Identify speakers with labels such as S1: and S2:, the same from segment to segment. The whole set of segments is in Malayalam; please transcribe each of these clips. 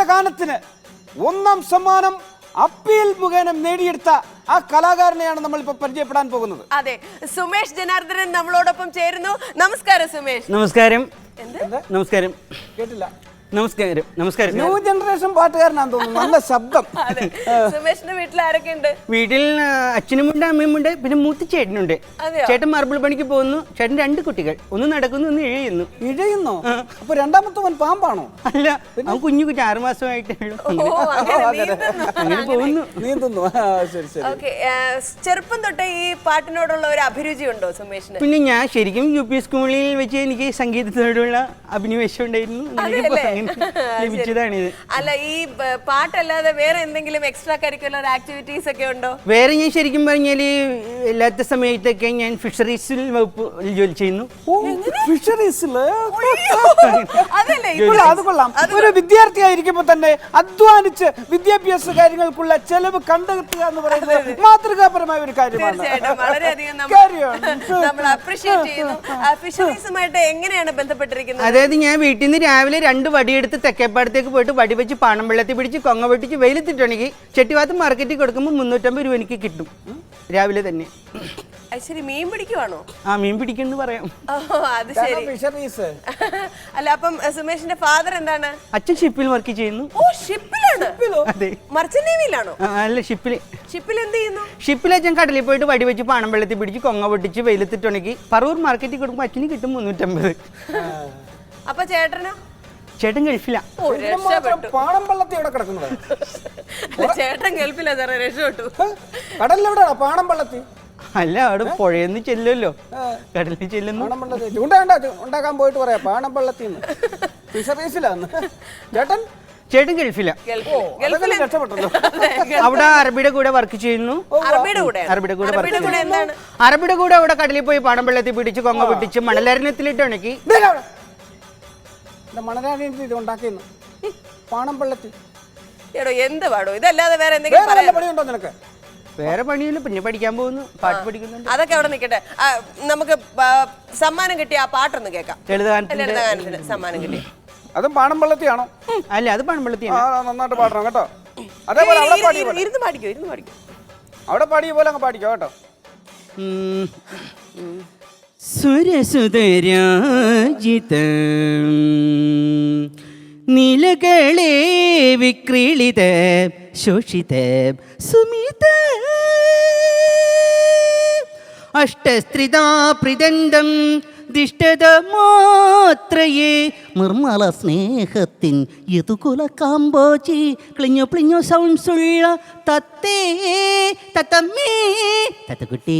S1: ഗാനത്തിന് 1ാം സമ്മാനം അപ്പീൽ മുഖേന നേടിയെടുത്ത ആ കലാകാരനെയാണ് നമ്മൾ ഇപ്പോൾ പരിചയപ്പെടാൻ പോകുന്നത്.
S2: അതെ, സുമേഷ് ജനാർദ്ദനൻ നമ്മളോടൊപ്പം ചേരുന്നു. നമസ്കാരം സുമേഷ്.
S3: നമസ്കാരം.
S1: നമസ്കാരം. കേട്ടില്ല.
S3: നമസ്കാരം. നമസ്കാരം.
S1: ന്യൂ ജനറേഷൻ പാട്ടുകാരനാണെന്ന് തോന്നുന്നു. നല്ല ശബ്ദം.
S2: സുമേഷിന്റെ വീട്ടിൽ ആരൊക്കെ ഉണ്ട്?
S3: വീട്ടിൽ അച്ഛനുമുണ്ട്, അമ്മയുമുണ്ട്, പിന്നെ മൂത്ത ചേട്ടനുണ്ട്. ചേട്ടൻ മാർബിൾ പണിക്ക് പോകുന്നു. ചേട്ടൻ 2 കുട്ടികൾ, ഒന്ന് നടക്കുന്നു, ഒന്ന് ഇഴയുന്നു.
S1: ഇഴയുന്നോ? അപ്പൊ രണ്ടാമത്തവൻ പാമ്പാണോ?
S3: അല്ല, അവൻ കുഞ്ഞു 6 മാസമായിട്ടേ ഉള്ളൂ. അങ്ങനെ പോകുന്നു,
S1: നീന്തുന്നു. ശരി ശരി.
S2: ചെറുപ്പം തൊട്ടേ ഈ പാട്ടിനോടുള്ള ഒരു അഭിരുചി ഉണ്ടോ സുമേഷിന്?
S3: പിന്നെ ഞാൻ ശരിക്കും UP സ്കൂളിൽ വെച്ച് എനിക്ക് സംഗീതത്തോടുള്ള അഭിനിവേശം ഉണ്ടായിരുന്നു. ലഭിച്ചതാണിത്.
S2: അല്ല, ഈ പാട്ടല്ലാതെ വേറെ എന്തെങ്കിലും എക്സ്ട്രാ കരിക്കുലർ ആക്ടിവിറ്റീസ് ഒക്കെ ഉണ്ടോ?
S3: വേറെ ഞാൻ ശരിക്കും പറഞ്ഞാല് എല്ലാത്ത സമയത്തൊക്കെ ഞാൻ ഫിഷറീസിൽ വകുപ്പ് ജോലി ചെയ്യുന്നു.
S1: അത് കൊള്ളാം. ഒരു വിദ്യാർത്ഥിയായിരിക്കുമ്പോ തന്നെ അധ്വാനിച്ച് വിദ്യാഭ്യാസ കാര്യങ്ങൾക്കുള്ള ചെലവ് കണ്ടെത്തുക എന്ന് പറയുന്നത് മാതൃകാപരമായ ഒരു കാര്യമാണ്.
S2: വളരെയധികം നമ്മൾ അപ്രീഷിയേറ്റ് ചെയ്യുന്നു. ഫിഷറീസുമായിട്ട് എങ്ങനെയാണ് ബന്ധപ്പെട്ടിരിക്കുന്നത്?
S3: അതായത് ഞാൻ വീട്ടിൽ നിന്ന് രാവിലെ 2 വടിയെടുത്ത് തെക്കേപ്പാടത്തേക്ക് പോയിട്ട് വടി വെച്ച് പാണം വെള്ളത്തിൽ പിടിച്ച് കൊങ്ങ വെട്ടിച്ച് വെയിലത്തിട്ടുണ്ടെങ്കിൽ ചെട്ടിവാത്ത് മാർക്കറ്റിൽ കൊടുക്കുമ്പോൾ 350 രൂപ എനിക്ക് കിട്ടും രാവിലെ തന്നെ.
S2: ശരി, മീൻ പിടിക്കുവാണോ?
S3: ആ, മീൻ പിടിക്കുന്നു പറയാം.
S2: അത് ശരി. അല്ല, അപ്പം സുമേഷിന്റെ ഫാദർ എന്താണ്?
S3: അച്ഛൻ ഷിപ്പിൽ വർക്ക് ചെയ്യുന്നു.
S2: ഓ, ഷിപ്പിലാണ്?
S3: അതെ.
S2: മർച്ചന്റ് നേവിയിലാണോ?
S3: അല്ല, ഷിപ്പില്.
S2: ഷിപ്പിൽ എന്ത് ചെയ്യുന്നു?
S3: ഷിപ്പിൽ അച്ഛൻ കടലിൽ പോയിട്ട് വടി വെച്ച് പാണം വെള്ളത്തിൽ പിടിച്ച് കൊങ്ങ പൊട്ടിച്ച് വെയിലത്തിട്ടുണ്ടെങ്കിൽ പറവൂർ മാർക്കറ്റിൽ കൊടുക്കുമ്പോൾ അച്ഛന് കിട്ടും 350.
S2: അപ്പൊ ചേട്ടനോ?
S3: ചേട്ടൻ ഗൾഫില.
S2: ചേട്ടൻ ഗൾഫിലാ സാറേ, രക്ഷപ്പെട്ടു.
S1: കടലിലെവിടെയാണോ പാണം പള്ളത്തി?
S3: അല്ല, അവിടെ പുഴയെന്ന് ചെല്ലുമല്ലോ, കടലിൽ ചെല്ലുന്നു.
S1: ഉണ്ടാക്കാൻ പോയിട്ട് പറയാ പാണം പള്ളത്തിന്ന് ഫിഷറീസിലാന്ന്.
S3: ചേട്ടൻ ഗൾഫില. അവിടെ അറബിയുടെ കൂടെ വർക്ക് ചെയ്യുന്നു. അറബിയുടെ കൂടെ അവിടെ കടലിൽ പോയി പാണം വെള്ളത്തിൽ പിടിച്ച് കൊങ്ങ പിടിച്ച് മണലരണ്യത്തിലിട്ട് ഉണക്കി
S1: ഉണ്ടാക്കിയെന്ന് പാണം പള്ളത്തി.
S2: എന്ത് പാടോ ഇതല്ലാതെ വേറെ എന്തെങ്കിലും
S1: പണിയുണ്ടോ നിനക്ക്?
S3: വേറെ പണിയില്ല, പിന്നെ പഠിക്കാൻ പോകുന്നു, പാട്ട് പഠിക്കുന്നുണ്ട്.
S2: അതൊക്കെ അവിടെ നിൽക്കട്ടെ. നമുക്ക് സമ്മാനം കിട്ടിയ ആ പാട്ടൊന്ന് കേൾക്കാം. ലളിതഗാനത്തിന് സമ്മാനം കിട്ടി.
S1: അതും പാണം പള്ളത്തിയാണോ?
S3: അല്ല, അത് പാണം പള്ളത്തിയാണ്.
S1: നന്നായിട്ട് പാടണം കേട്ടോ. അതേപോലെ അവിടെ
S2: ഇരുന്ന് പാടിക്കോ.
S1: അവിടെ പാടിയ പോലെ അങ്ങ് പാടിക്കോ കേട്ടോ.
S3: സുരസുതരാജിതം നീലകളെ വിക്രീളിത ശോഷിത സുമിത അഷ്ടസ്ത്രിതാ പ്രിദന്തം ദിഷ്ടത മാത്രയേ നിർമ്മല സ്നേഹത്തിൻ യതുകുല കാമ്പോചി ക്ലിഞ്ഞു പ്ലിഞ്ഞു സൗണ്ട്സുള്ള തത്തേ തത്തമ്മേ തത്തക്കുട്ടി.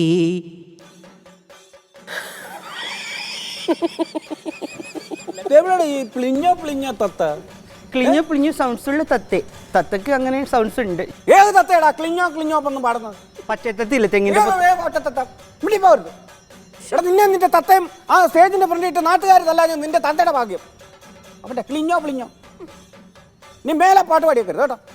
S1: ഈ പ്ലിഞ്ഞോ പ്ലിഞ്ഞോ തത്ത?
S3: ക്ലിഞ്ഞോ പ്ലിഞ്ഞോ സൗണ്ട്സ് ഉള്ള തത്തേ. തത്തക്ക് അങ്ങനെ സൗണ്ട്സ് ഉണ്ട്.
S1: ഏത് തത്തയടാ ക്ലിഞ്ഞോ ക്ലിഞ്ഞോ ഒന്നും പാടുന്നത്?
S3: പച്ചത്തത്തില്ല, തെങ്ങിന്റെ
S1: നിന്നെ നിന്റെ തത്തയും ആ സ്റ്റേജിന്റെ ഫ്രണ്ടിട്ട് നാട്ടുകാരല്ല നിന്റെ തത്തയുടെ ഭാഗ്യം. അവന്റെ ക്ലിഞ്ഞോ പ്ലിഞ്ഞോ. നീ മേലെ പാട്ട് പാടിയേക്കരുത് കേട്ടോ.